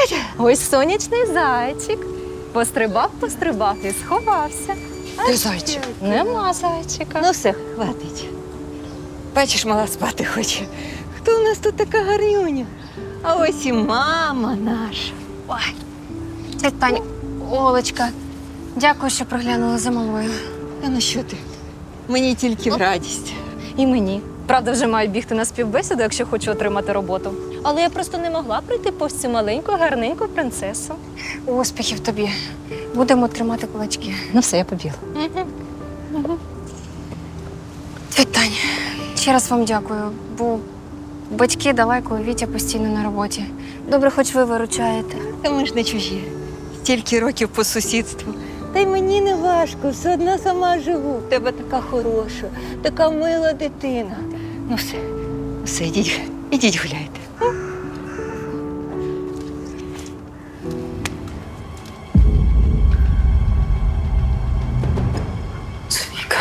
Ось сонячний зайчик. Пострибав і сховався. Де зайчик? Нема зайчика. Ну все, хватить. Бачиш, мала спати хоче. Хто у нас тут така гарнюня? А ось і мама наша. Ой, тетя Тань, Олечка, дякую, що приглянули за малою. Та ну що ти? Мені тільки в радість. І мені. Правда, вже маю бігти на співбесіду, якщо хочу отримати роботу. Але я просто не могла прийти повз цю маленьку, гарненьку принцесу. Успіхів тобі. Будемо тримати кулачки. Ну все, я побігла. Тетя Тань, ще раз вам дякую, бо батьки далеко, Вітя постійно на роботі. Добре, хоч ви виручаєте. Та ми ж не чужі. Стільки років по сусідству. Та й мені не важко, все одно сама живу. В тебе така хороша, така мила дитина. Ну все, ідіть гуляйте. Софійка.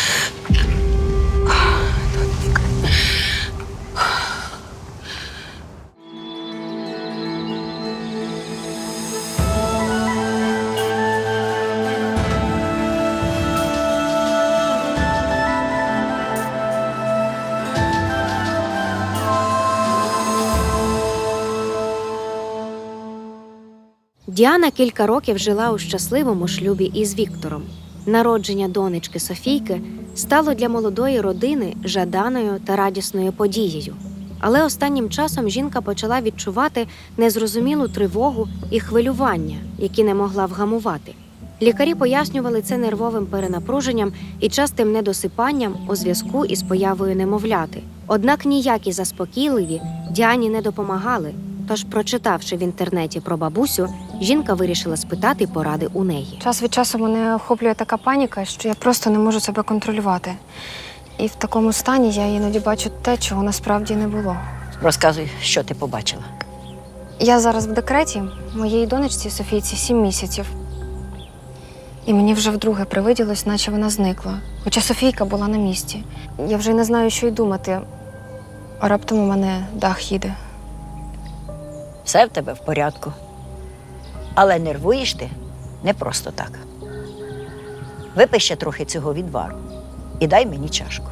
Діана кілька років жила у щасливому шлюбі із Віктором. Народження донечки Софійки стало для молодої родини жаданою та радісною подією. Але останнім часом жінка почала відчувати незрозумілу тривогу і хвилювання, які не могла вгамувати. Лікарі пояснювали це нервовим перенапруженням і частим недосипанням у зв'язку із появою немовляти. Однак ніякі заспокійливі Діані не допомагали. Тож, прочитавши в інтернеті про бабусю, жінка вирішила спитати поради у неї. Час від часу мене охоплює така паніка, що я просто не можу себе контролювати. І в такому стані я іноді бачу те, чого насправді не було. Розказуй, що ти побачила. Я зараз в декреті, моїй донечці Софійці 7 місяців. І мені вже вдруге привиділось, наче вона зникла. Хоча Софійка була на місці. Я вже не знаю, що й думати. А раптом у мене дах їде. Все в тебе в порядку. Але нервуєш ти не просто так. Випий ще трохи цього відвару і дай мені чашку.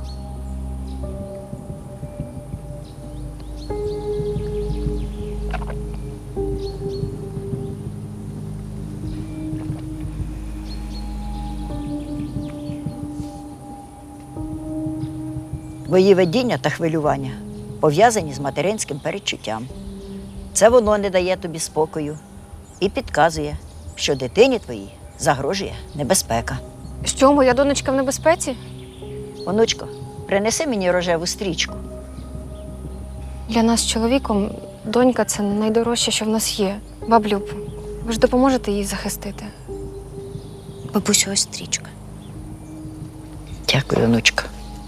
Твої видіння та хвилювання пов'язані з материнським передчуттям. Це воно не дає тобі спокою і підказує, що дитині твоїй загрожує небезпека. Що, моя донечка в небезпеці? Онучко, принеси мені рожеву стрічку. Для нас з чоловіком донька – це найдорожче, що в нас є. Баблюб, ви ж допоможете їй захистити? Бабусю, ось стрічка. Дякую, онучко.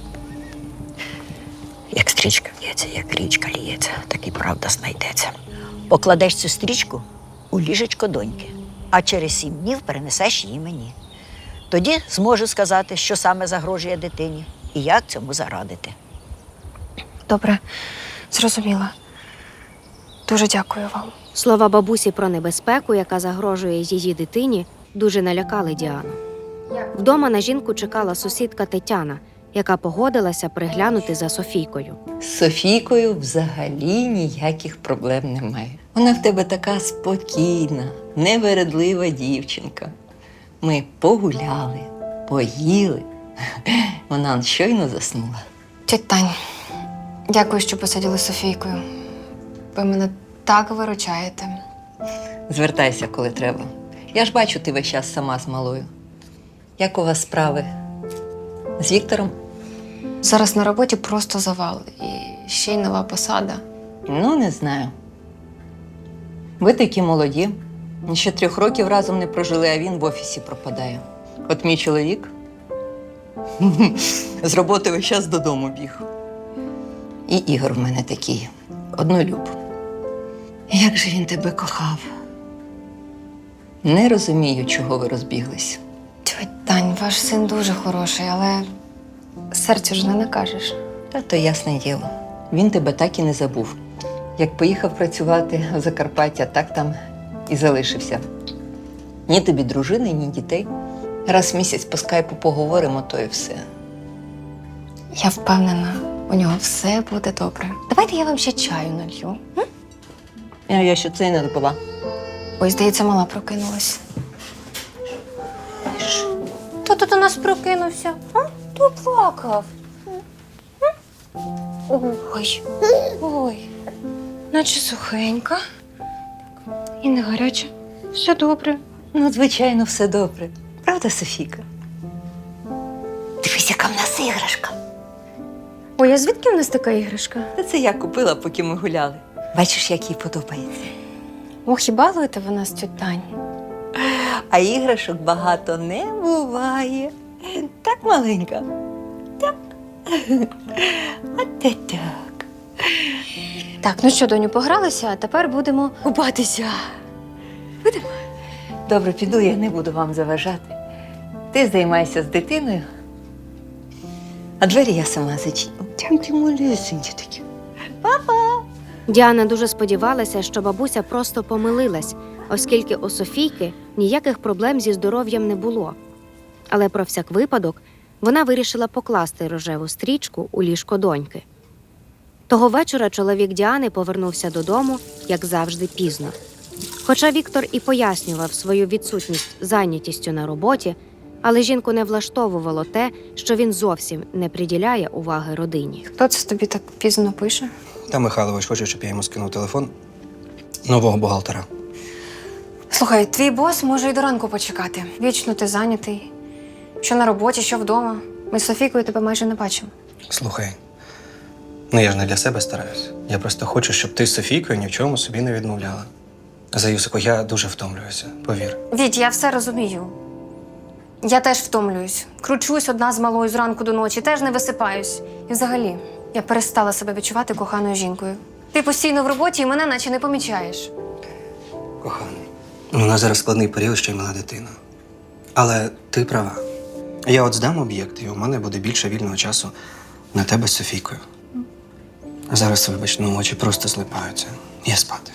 Як стрічка лється, як річка ліється, так і правда знайдеться. Покладеш цю стрічку у ліжечко доньки, а через 7 днів перенесеш її мені. Тоді зможу сказати, що саме загрожує дитині і як цьому зарадити. Добре, зрозуміла. Дуже дякую вам. Слова бабусі про небезпеку, яка загрожує її дитині, дуже налякали Діану. Вдома на жінку чекала сусідка Тетяна, яка погодилася приглянути за Софійкою. З Софійкою взагалі ніяких проблем немає. Вона в тебе така спокійна, невередлива дівчинка. Ми погуляли, поїли. Вона щойно заснула. Тетя Тань, дякую, що посадили з Софійкою. Ви мене так виручаєте. Звертайся, коли треба. Я ж бачу, ти весь час сама з малою. Як у вас справи? З Віктором? Зараз на роботі просто завал. І ще й нова посада. Ну, не знаю. Ви такі молоді. Ще 3 років разом не прожили, а він в офісі пропадає. От мій чоловік з роботи весь час додому біг. І Ігор в мене такий, однолюб. Як же він тебе кохав. Не розумію, чого ви розбіглись. Тьоть Тань, ваш син дуже хороший, але серцю ж не накажеш. Та то ясне діло. Він тебе так і не забув. Як поїхав працювати в Закарпаття, так там і залишився. Ні тобі дружини, ні дітей. Раз в місяць по скайпу поговоримо, то і все. Я впевнена, у нього все буде добре. Давайте я вам ще чаю налью. А я ще це й не допила. Ой, здається, мала прокинулась. Хто тут у нас прокинувся? А? Хто плакав? Ой, ой, наче сухенька. І не гаряча. Все добре. Ну, звичайно, все добре. Правда, Софійка? Дивись, яка в нас іграшка. Ой, а звідки в нас така іграшка? Та це я купила, поки ми гуляли. Бачиш, як їй подобається. Ох, і балуєте ви нас, тьоть Тань. А іграшок багато не буває. Так, маленька? Так. А те так. Так, ну що, доню, погралися, а тепер будемо купатися. Добре, піду, я не буду вам заважати. Ти займайся з дитиною, а двері я сама зачиню. Там ти малесенькі такі. Діана дуже сподівалася, що бабуся просто помилилась, оскільки у Софійки ніяких проблем зі здоров'ям не було. Але про всяк випадок вона вирішила покласти рожеву стрічку у ліжко доньки. Того вечора чоловік Діани повернувся додому, як завжди, пізно. Хоча Віктор і пояснював свою відсутність зайнятістю на роботі, але жінку не влаштовувало те, що він зовсім не приділяє уваги родині. Хто це тобі так пізно пише? Та Михайлович хоче, щоб я йому скинув телефон нового бухгалтера. Слухай, твій бос може й до ранку почекати. Вічно ти зайнятий. Що на роботі, що вдома. Ми з Софійкою тебе майже не бачимо. Слухай, ну я ж не для себе стараюсь. Я просто хочу, щоб ти з Софійкою ні в чому собі не відмовляла. За Юсику, я дуже втомлююся, повір. Віть, я все розумію. Я теж втомлююсь. Кручусь одна з малою зранку до ночі, теж не висипаюсь. І взагалі, я перестала себе відчувати коханою жінкою. Ти постійно в роботі і мене наче не помічаєш. Коханий, у нас зараз складний період, ще й мала дитина. Але ти права. Я от здам об'єкт, і у мене буде більше вільного часу на тебе з Софійкою. А зараз, вибач, ну очі просто злипаються. Я спати.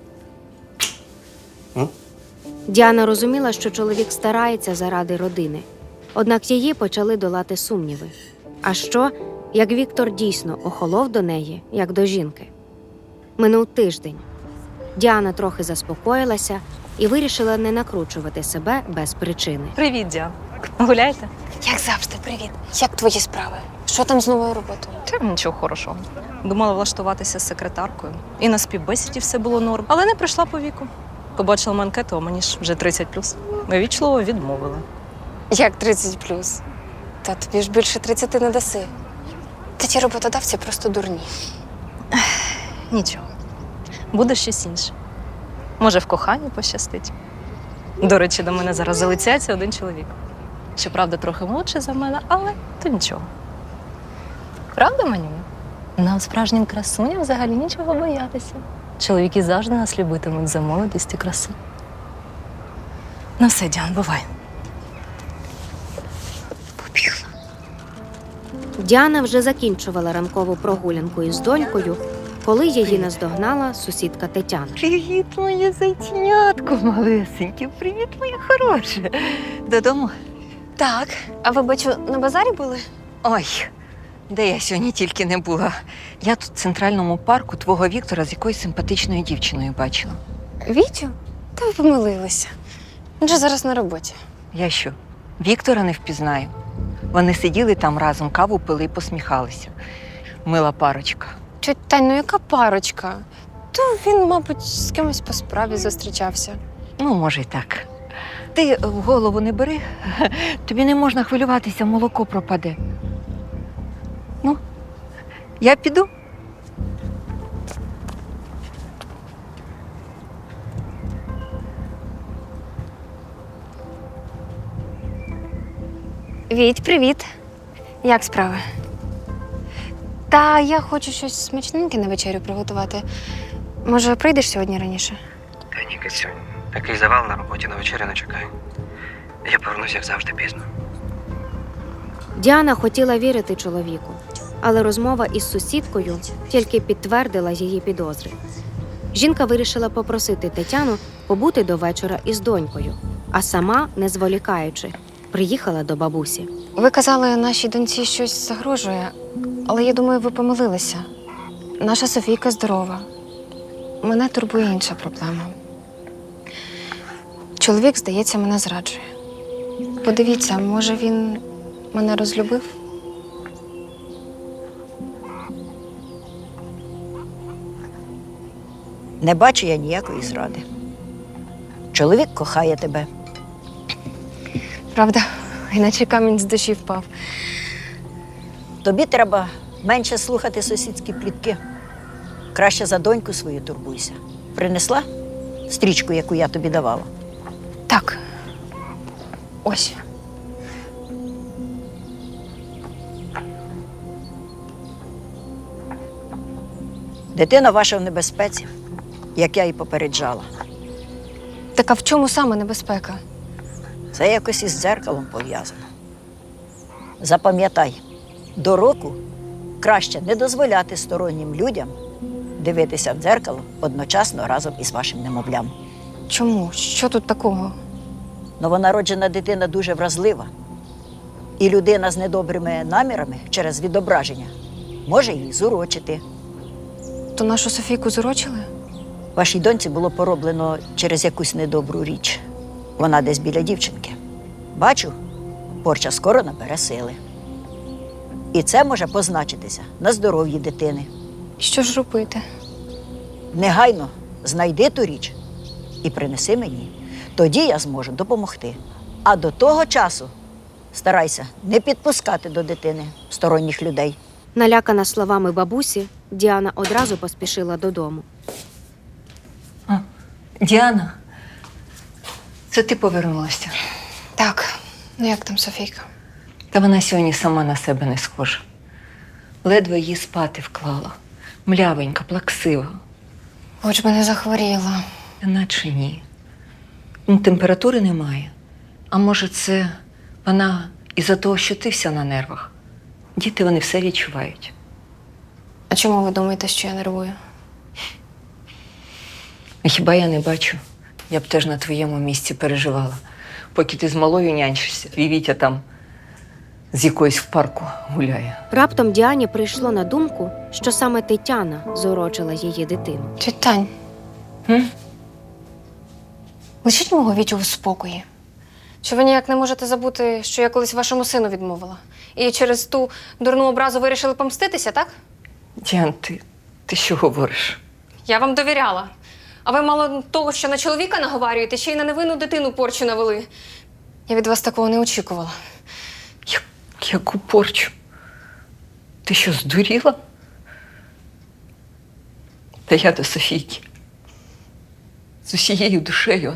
Діана розуміла, що чоловік старається заради родини. Однак її почали долати сумніви. А що, як Віктор дійсно охолов до неї, як до жінки? Минув тиждень. Діана трохи заспокоїлася і вирішила не накручувати себе без причини. Привіт, Діан. Гуляєте? Як завжди, привіт. Як твої справи? Що там з новою роботою? Та нічого хорошого. Думала влаштуватися з секретаркою. І на співбесіді все було норм. Але не прийшла по віку. Побачила анкету, а мені ж вже 30+. Ми вічливо відмовили. Як 30+? Та тобі ж більше 30 не даси. Та ті роботодавці просто дурні. Нічого. Буде щось інше. Може, в коханні пощастить. До речі, до мене зараз залицяється один чоловік. Щоправда, трохи молодший за мене, але то нічого. Правда, Манюня? Нам справжнім красуням взагалі нічого боятися. Чоловіки завжди нас любитимуть за молодість і красу. Ну все, Діан, бувай. Діана вже закінчувала ранкову прогулянку із донькою, коли її наздогнала сусідка Тетяна. Привіт, моє зайченятко малесеньке. Привіт, моє хороше. Додому? Так, а ви, бачу, на базарі були? Ой, де я сьогодні тільки не була. Я тут в центральному парку твого Віктора з якоюсь симпатичною дівчиною бачила. Вітю? Та ви помилилися. Він же зараз на роботі. Я що, Віктора не впізнаю? Вони сиділи там разом, каву пили і посміхалися. Мила парочка. Тьоть Тань, ну яка парочка? То він, мабуть, з кимось по справі зустрічався. Ну, може, й так. Ти в голову не бери. Тобі не можна хвилюватися, молоко пропаде. Ну, я піду. Віть, привіт. Як справи? Та я хочу щось смачненьке на вечерю приготувати. Може, прийдеш сьогодні раніше? Та ні, Кицю, такий завал на роботі на вечерю не чекай. Я повернуся, як завжди, пізно. Діана хотіла вірити чоловіку, але розмова із сусідкою тільки підтвердила її підозри. Жінка вирішила попросити Тетяну побути до вечора із донькою, а сама, не зволікаючи, приїхала до бабусі. Ви казали, нашій доньці щось загрожує, але я думаю, ви помилилися. Наша Софійка здорова. Мене турбує інша проблема. Чоловік, здається, мене зраджує. Подивіться, може він мене розлюбив? Не бачу я ніякої зради. Чоловік кохає тебе. Правда, іначе камінь з душі впав. Тобі треба менше слухати сусідські плітки. Краще за доньку свою турбуйся. Принесла стрічку, яку я тобі давала? Так. Ось. Дитина ваша в небезпеці, як я і попереджала. Так а в чому саме небезпека? Це якось із дзеркалом пов'язано. Запам'ятай, до року краще не дозволяти стороннім людям дивитися в дзеркало одночасно разом із вашим немовлям. Чому? Що тут такого? Новонароджена дитина дуже вразлива. І людина з недобрими намірами через відображення може її зурочити. То нашу Софійку зурочили? Вашій доньці було пороблено через якусь недобру річ. Вона десь біля дівчинки. Бачу, порча скоро набере сили. І це може позначитися на здоров'ї дитини. Що ж робити? Негайно знайди ту річ і принеси мені. Тоді я зможу допомогти. А до того часу старайся не підпускати до дитини сторонніх людей. Налякана словами бабусі, Діана одразу поспішила додому. Діана, це ти повернулася. Так, ну як там Софійка? Та вона сьогодні сама на себе не схожа. Ледве її спати вклала. Млявенька, плаксива. Хоч би не захворіла. Та наче ні. Температури немає. А може, це вона із-за того, що ти вся на нервах. Діти, вони все відчувають. А чому ви думаєте, що я нервую? А хіба я не бачу? Я б теж на твоєму місці переживала. Поки ти з малою нянчишся, твій Вітя там з якоюсь в парку гуляє. Раптом Діані прийшло на думку, що саме Тетяна зурочила її дитину. Тьоть Тань, лишіть мого Вітю у спокої. Чи ви ніяк не можете забути, що я колись вашому сину відмовила? І через ту дурну образу вирішили помститися, так? Діан, ти що говориш? Я вам довіряла. А ви мало того, що на чоловіка наговарюєте, ще й на невинну дитину порчу навели. Я від вас такого не очікувала. Яку порчу? Ти що, здуріла? Та я до Софійки. З усією душею.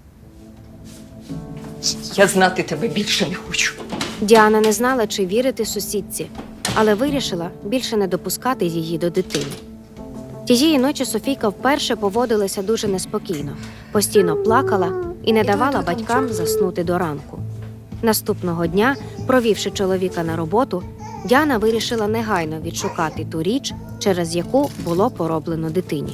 Я знати тебе більше не хочу. Діана не знала, чи вірити сусідці, але вирішила більше не допускати її до дитини. Тієї ночі Софійка вперше поводилася дуже неспокійно, постійно плакала і не давала батькам заснути до ранку. Наступного дня, провівши чоловіка на роботу, Діана вирішила негайно відшукати ту річ, через яку було пороблено дитині.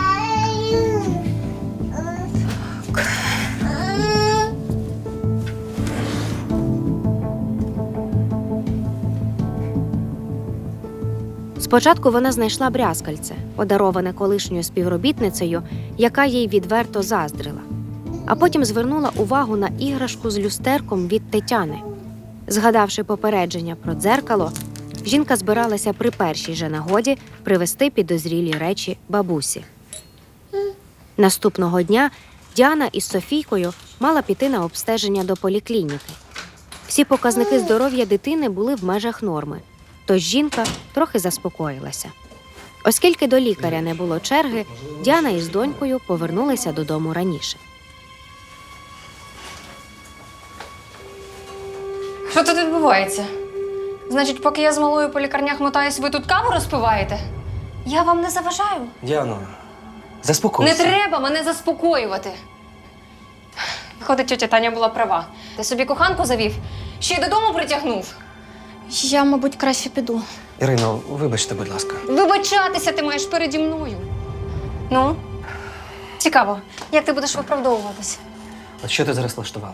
Спочатку вона знайшла брязкальце, подароване колишньою співробітницею, яка їй відверто заздрила. А потім звернула увагу на іграшку з люстерком від Тетяни. Згадавши попередження про дзеркало, жінка збиралася при першій же нагоді привезти підозрілі речі бабусі. Наступного дня Діана із Софійкою мала піти на обстеження до поліклініки. Всі показники здоров'я дитини були в межах норми, тож жінка трохи заспокоїлася. Оскільки до лікаря не було черги, Діана із донькою повернулися додому раніше. Що тут відбувається? Значить, поки я з малою по лікарнях мотаюсь, ви тут каву розпиваєте? Я вам не заважаю. Діано, заспокойся. Не треба мене заспокоювати. Виходить, тьотя Таня була права. Ти собі коханку завів, ще й додому притягнув. Я, мабуть, краще піду. Ірино, вибачте, будь ласка. Вибачатися ти маєш переді мною. Ну, Цікаво, як ти будеш виправдовуватися? От що ти зараз влаштувала?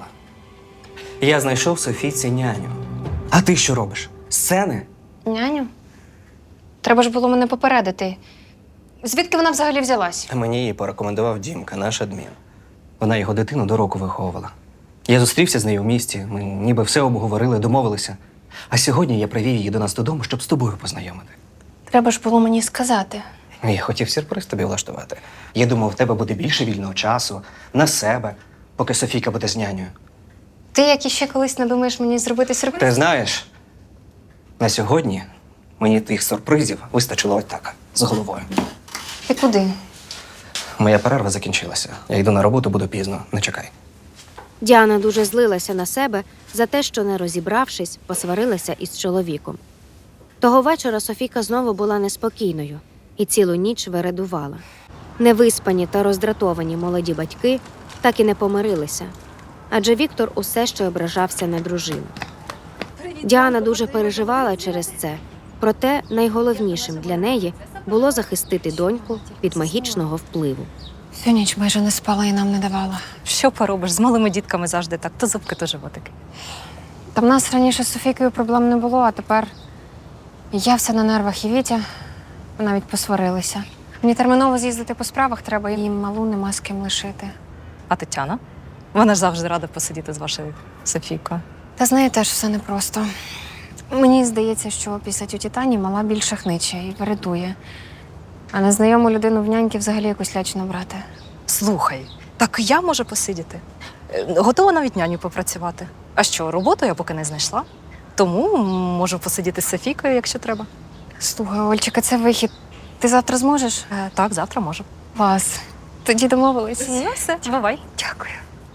Я знайшов Софійці няню. А ти що робиш? Сцени? Няню? Треба ж було мене попередити. Звідки вона взагалі взялась? Мені її порекомендував Дімка, наш адмін. Вона його дитину до року виховувала. Я зустрівся з нею в місті, ми ніби все обговорили, домовилися. А сьогодні я привів її до нас додому, щоб з тобою познайомити. Треба ж було мені сказати. Я хотів сюрприз тобі влаштувати. Я думав, в тебе буде більше вільного часу, на себе, поки Софійка буде з нянею. Ти, як іще колись надумаєш мені зробити сюрприз? Ти знаєш, на сьогодні мені тих сюрпризів вистачило ось так, з головою. Ти куди? Моя перерва закінчилася. Я йду на роботу, буду пізно. Не чекай. Діана дуже злилася на себе за те, що, не розібравшись, посварилася із чоловіком. Того вечора Софійка знову була неспокійною і цілу ніч вередувала. Невиспані та роздратовані молоді батьки так і не помирилися, адже Віктор усе ще ображався на дружину. Діана дуже переживала через це, проте найголовнішим для неї було захистити доньку від магічного впливу. Всю ніч майже не спала і нам не давала. Що поробиш? З малими дітками завжди так. То зубки, то животики. Та в нас раніше з Софійкою проблем не було, а тепер я вся на нервах і Вітя. Ми навіть посварилися. Мені терміново з'їздити по справах треба, і малу нема з ким лишити. А Тетяна? Вона ж завжди рада посидіти з вашою Софійкою. Та з нею теж все непросто. Мені здається, що після тьоті Тані мала більше хниче і вередує. А незнайому людину в няньки взагалі якусь лячно брати. Слухай, так я можу посидіти. Готова навіть няню попрацювати. А що, роботу я поки не знайшла. Тому можу посидіти з Софійкою, якщо треба. Слухай, Ольчика, це вихід. Ти завтра зможеш? Так, завтра можу. Клас. Тоді домовились. Ну, все, бувай. Дякую.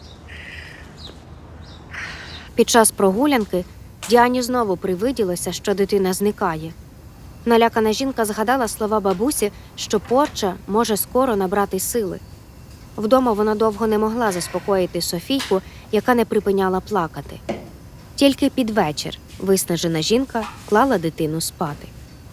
Під час прогулянки Діані знову привиділося, що дитина зникає. Налякана жінка згадала слова бабусі, що порча може скоро набрати сили. Вдома вона довго не могла заспокоїти Софійку, яка не припиняла плакати. Тільки під вечір виснажена жінка клала дитину спати.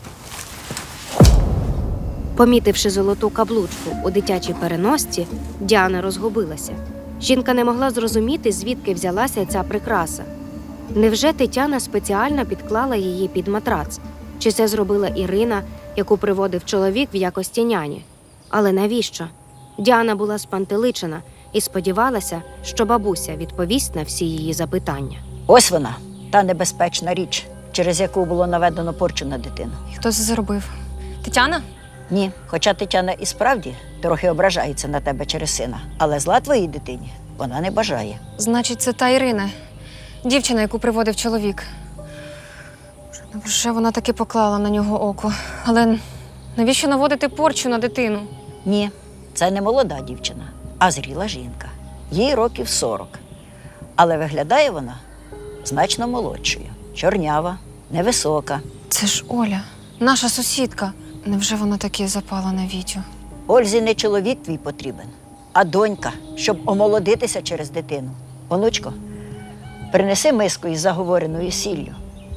Помітивши золоту каблучку у дитячій переносці, Діана розгубилася. Жінка не могла зрозуміти, звідки взялася ця прикраса. Невже Тетяна спеціально підклала її під матрац? Чи це зробила Ірина, яку приводив чоловік в якості няні? Але навіщо? Діана була спантеличена і сподівалася, що бабуся відповість на всі її запитання. Ось вона, та небезпечна річ, через яку було наведено порчу на дитину. І хто це зробив? Тетяна? Ні, хоча Тетяна і справді трохи ображається на тебе через сина, але зла твоїй дитині вона не бажає. Значить, це та Ірина, дівчина, яку приводив чоловік. Вже вона таки поклала на нього око. Але навіщо наводити порчу на дитину? Ні, це не молода дівчина, а зріла жінка. Їй років 40. Але виглядає вона значно молодшою, чорнява, невисока. Це ж Оля, наша сусідка. Невже вона таки запала на Вітю? Ользі не чоловік твій потрібен, а донька, щоб омолодитися через дитину. Онучко, принеси миску із заговореною сіллю.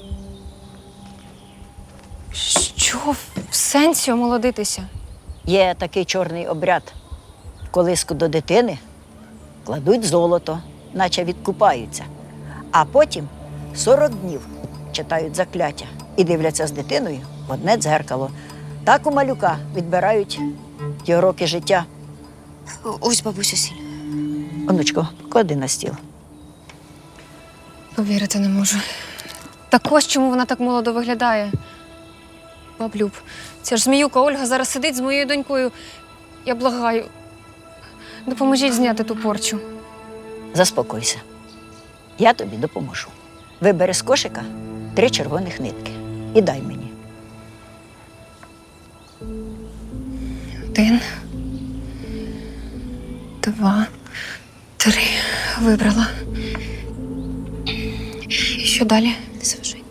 Що в сенсі омолодитися? Є такий чорний обряд. В колиску до дитини кладуть золото, наче відкупаються. А потім 40 днів читають закляття і дивляться з дитиною в одне дзеркало. Так у малюка відбирають його роки життя. Ось бабуся сіль. Онучко, поклади на стіл. Повірити не можу. Так ось чому вона так молодо виглядає. Баблюб, ця ж зміюка Ольга зараз сидить з моєю донькою. Я благаю. Допоможіть зняти ту порчу. Заспокойся. Я тобі допоможу. Вибери з кошика 3 червоних нитки і дай мені. 1, 2, 3. Вибрала. І що далі? Не заважай.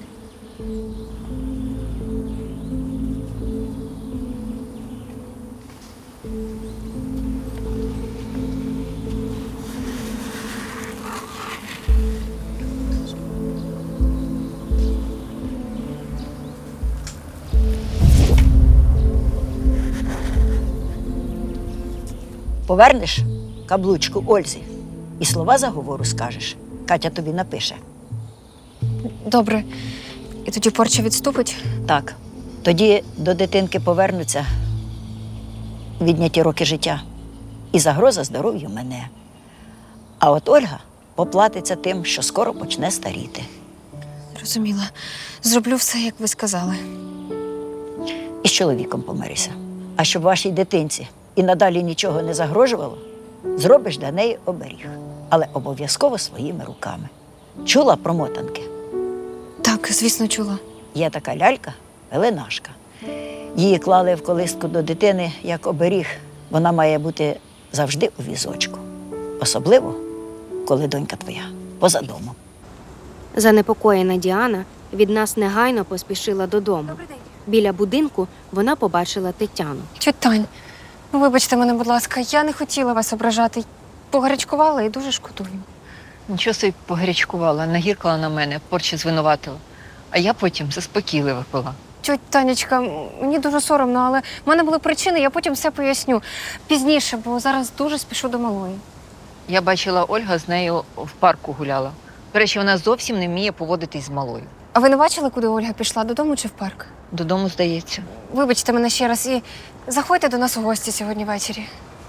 Повернеш каблучку Ользі і слова заговору скажеш. Катя тобі напише. Добре. І тоді порча відступить? Так, тоді до дитинки повернуться відняті роки життя і загроза здоров'ю мене. А от Ольга поплатиться тим, що скоро почне старіти. Зрозуміла. Зроблю все, як ви сказали. І з чоловіком помирися. А щоб вашій дитинці і надалі нічого не загрожувало, зробиш для неї оберіг. Але обов'язково своїми руками. Чула про мотанки? Так, звісно, чула. Є така лялька – пеленашка. Її клали в колиску до дитини як оберіг. Вона має бути завжди у візочку. Особливо, коли донька твоя поза домом. Занепокоєна Діана від нас негайно поспішила додому. Біля будинку вона побачила Тетяну. Тьоть Тань, ну вибачте мене, будь ласка, я не хотіла вас ображати. Погарячкувала і дуже шкодую. Нічого собі погарячкувала, нагіркала на мене, порчі звинуватила. А я потім заспокійливо пила. Тьоть Танечка, мені дуже соромно, але в мене були причини, я потім все поясню. Пізніше, бо зараз дуже спішу до малої. Я бачила, Ольга з нею в парку гуляла. До речі, вона зовсім не вміє поводитись з малою. А ви не бачили, куди Ольга пішла? Додому чи в парк? Додому, здається. Вибачте мене ще раз і заходьте до нас у гості сьогодні ввечері.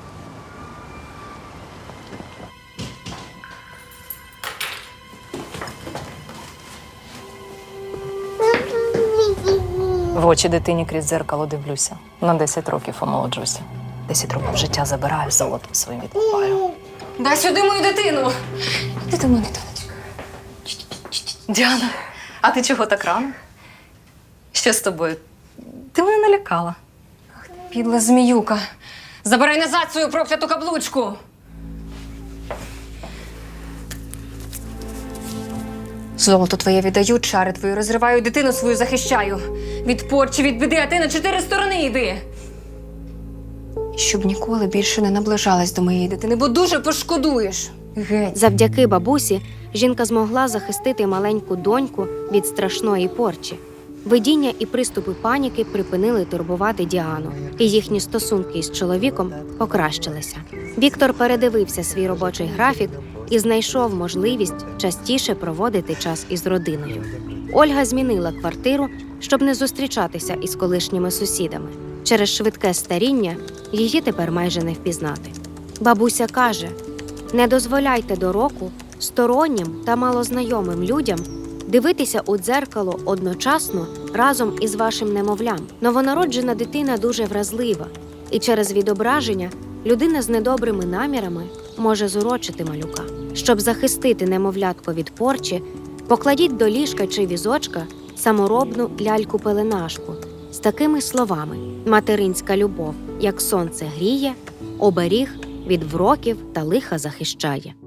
В очі дитині крізь дзеркало дивлюся. На 10 років омолоджуся. 10 років життя забираю, золотом своїм відкупаю. Дай сюди мою дитину! Ти до мене, донечка. Діана, а ти чого так рано? Що з тобою? Ти мене налякала. Підла зміюка. Забирай назад свою прокляту каблучку! Золото твоє віддаю, чари твої розриваю, дитину свою захищаю. Від порчі, від біди, а ти на 4 сторони йди. Щоб ніколи більше не наближалась до моєї дитини, бо дуже пошкодуєш. Геть. Завдяки бабусі жінка змогла захистити маленьку доньку від страшної порчі. Видіння і приступи паніки припинили турбувати Діану, і їхні стосунки із чоловіком покращилися. Віктор передивився свій робочий графік і знайшов можливість частіше проводити час із родиною. Ольга змінила квартиру, щоб не зустрічатися із колишніми сусідами. Через швидке старіння її тепер майже не впізнати. Бабуся каже: не дозволяйте до року стороннім та малознайомим людям дивитися у дзеркало одночасно разом із вашим немовлям. Новонароджена дитина дуже вразлива, і через відображення людина з недобрими намірами може зурочити малюка. Щоб захистити немовлятко від порчі, покладіть до ліжка чи візочка саморобну ляльку-пеленашку з такими словами: материнська любов, як сонце гріє, оберіг від вроків та лиха захищає.